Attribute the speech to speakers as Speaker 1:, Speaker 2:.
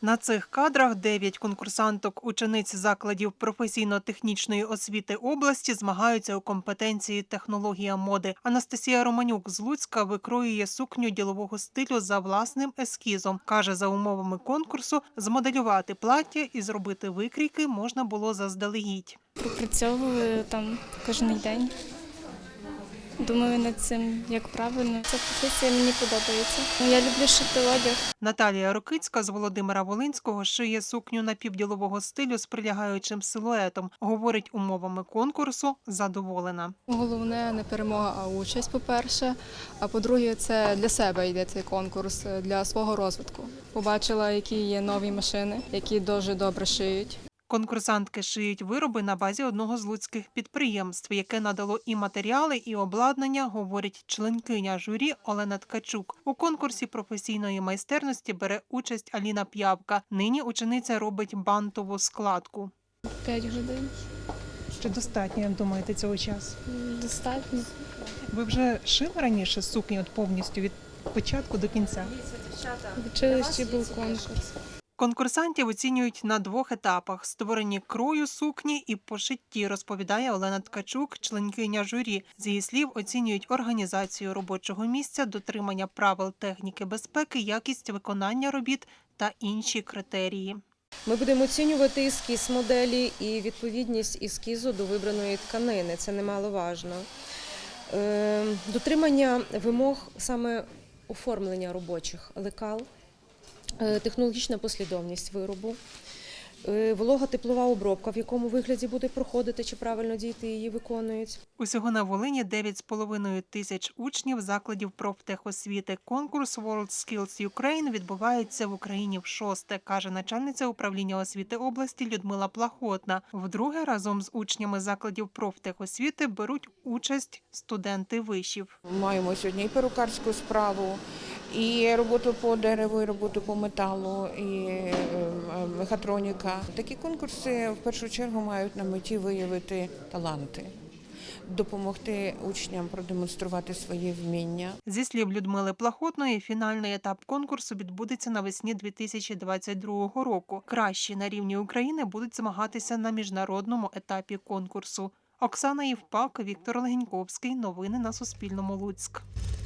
Speaker 1: На цих кадрах 9 конкурсанток, учениць закладів професійно-технічної освіти області змагаються у компетенції технологія моди. Анастасія Романюк з Луцька викроює сукню ділового стилю за власним ескізом. Каже, за умовами конкурсу змоделювати плаття і зробити викрійки можна було заздалегідь.
Speaker 2: Пропрацьовую там кожен день. Думаю над цим, як правильно. Ця професія мені подобається. Я люблю шити одяг.
Speaker 1: Наталія Рокицька з Володимира-Волинського шиє сукню напівділового стилю з прилягаючим силуетом. Говорить, умовами конкурсу задоволена.
Speaker 3: Головне не перемога, а участь, по-перше. А по-друге, це для себе йде цей конкурс, для свого розвитку. Побачила, які є нові машини, які дуже добре шиють.
Speaker 1: Конкурсантки шиють вироби на базі одного з луцьких підприємств, яке надало і матеріали, і обладнання, говорить членкиня журі Олена Ткачук. У конкурсі професійної майстерності бере участь Аліна П'явка. Нині учениця робить бантову складку.
Speaker 2: 5 годин.
Speaker 1: Чи достатньо, як думаєте, цього часу?
Speaker 2: Достатньо.
Speaker 1: Ви вже шили раніше сукні повністю від початку до кінця?
Speaker 2: В училищі був конкурс.
Speaker 1: Конкурсантів оцінюють на 2 етапах – створенні крою сукні і пошитті, розповідає Олена Ткачук, членкиня журі. З її слів, оцінюють організацію робочого місця, дотримання правил техніки безпеки, якість виконання робіт та інші критерії.
Speaker 4: Ми будемо оцінювати ескіз моделі і відповідність ескізу до вибраної тканини. Це немаловажно. Дотримання вимог саме оформлення робочих лекал, технологічна послідовність виробу, волого-теплова обробка, в якому вигляді буде проходити, чи правильно діти її виконують.
Speaker 1: Усього на Волині 9,5 тисяч учнів закладів профтехосвіти. Конкурс World Skills Ukraine відбувається в Україні вшосте, каже начальниця управління освіти області Людмила Плахотна. Вдруге разом з учнями закладів профтехосвіти беруть участь студенти вишів.
Speaker 5: Маємо сьогодні і перукарську справу, і роботу по дереву, і роботу по металу, і мехатроніка. Такі конкурси в першу чергу мають на меті виявити таланти, допомогти учням продемонструвати свої вміння.
Speaker 1: Зі слів Людмили Плахотної, фінальний етап конкурсу відбудеться навесні 2022 року. Кращі на рівні України будуть змагатися на міжнародному етапі конкурсу. Оксана Євпак, Віктор Легеньковський. Новини на Суспільному. Луцьк.